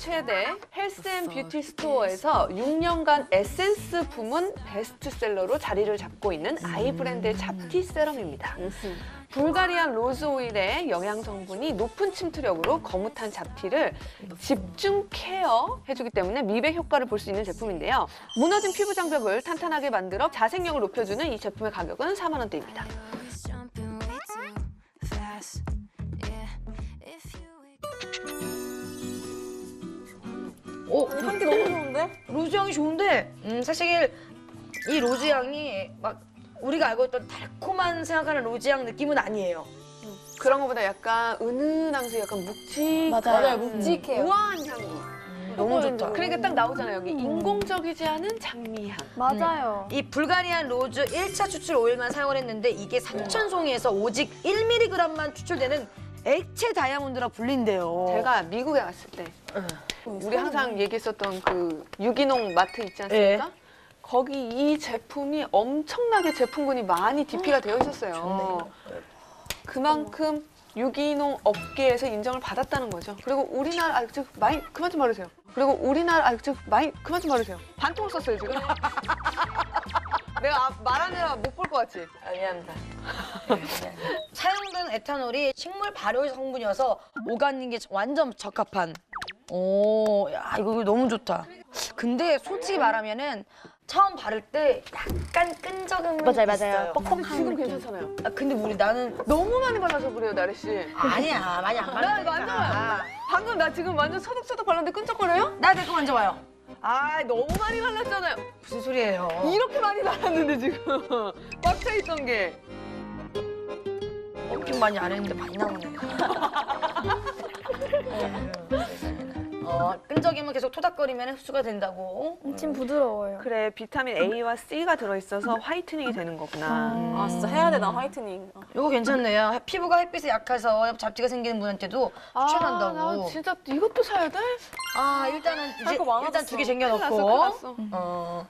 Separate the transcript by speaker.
Speaker 1: 최대 헬스앤뷰티 스토어에서 6년간 에센스 부문 베스트셀러로 자리를 잡고 있는 아이 브랜드의 잡티 세럼입니다. 불가리안 로즈 오일의 영양 성분이 높은 침투력으로 거뭇한 잡티를 집중 케어 해주기 때문에 미백 효과를 볼 수 있는 제품인데요. 무너진 피부 장벽을 탄탄하게 만들어 자생력을 높여주는 이 제품의 가격은 4만 원대입니다.
Speaker 2: 향기 너무 좋은데?
Speaker 3: 로즈 향이 좋은데 사실 이 로즈 향이 막 우리가 알고 있던 달콤한 생각하는 로즈 향 느낌은 아니에요.
Speaker 1: 그런 것보다 약간 은은하면서 약간 묵직한
Speaker 2: 맞아요, 묵직해요.
Speaker 1: 우아한 향기.
Speaker 3: 너무 좋다.
Speaker 1: 그러니까 딱 나오잖아요. 여기 인공적이지 않은 장미향.
Speaker 2: 맞아요.
Speaker 3: 이 불가리안 로즈 1차 추출 오일만 사용을 했는데 이게 3,000송이에서 오직 1mg만 추출되는 액체 다이아몬드라 불린대요.
Speaker 1: 제가 미국에 갔을 때 우리 항상 얘기했었던 그 유기농 마트 있지 않습니까? 거기 이 제품이 엄청나게 제품군이 많이 DP가 되어 있었어요. 그만큼 유기농 업계에서 인정을 받았다는 거죠. 그리고 우리나라 많이 그만 좀 말하세요. 그리고 우리나라 많이 그만 좀 말하세요. 반통을 썼어요 지금. 내가 말하느라 못 볼 것 같지?
Speaker 3: 미안합니다. 사용된 에탄올이 식물 발효 성분이어서 오가닉에 완전 적합한. 오, 야 이거 너무 좋다. 근데 솔직히 말하면은 처음 바를 때 약간 끈적임이 있어요.
Speaker 1: 지금 괜찮잖아요.
Speaker 3: 아, 근데 나는
Speaker 1: 너무 많이 발라서 그래요, 나래 씨.
Speaker 3: 아니야 많이 안
Speaker 1: 나 이거 안 좋아요.
Speaker 3: 바르니까.
Speaker 1: 방금 나 지금 완전 소독소독 발랐는데 끈적거려요?
Speaker 3: 나 내거 만져봐요.
Speaker 1: 아, 너무 많이 발랐잖아요.
Speaker 3: 무슨 소리예요?
Speaker 1: 이렇게 많이 발랐는데 지금 꽉 차 있던 게.
Speaker 3: 엄청 많이 안 했는데 많이 나오네. 끈적이면 계속 토닥거리면 흡수가 된다고.
Speaker 2: 엄청 부드러워요.
Speaker 1: 그래, 비타민 A와 C가 들어있어서 화이트닝이 되는 거구나.
Speaker 2: 아 진짜 해야 돼, 나 화이트닝.
Speaker 3: 이거 괜찮네요. 피부가 햇빛에 약해서 잡티가 생기는 분한테도 추천한다고.
Speaker 1: 나 진짜 이것도 사야 돼?
Speaker 3: 아 일단은 이제
Speaker 2: 거 많아졌어.
Speaker 3: 일단 두 개
Speaker 1: 큰일 났어, 큰일
Speaker 3: 쟁여놓고.
Speaker 1: 났어.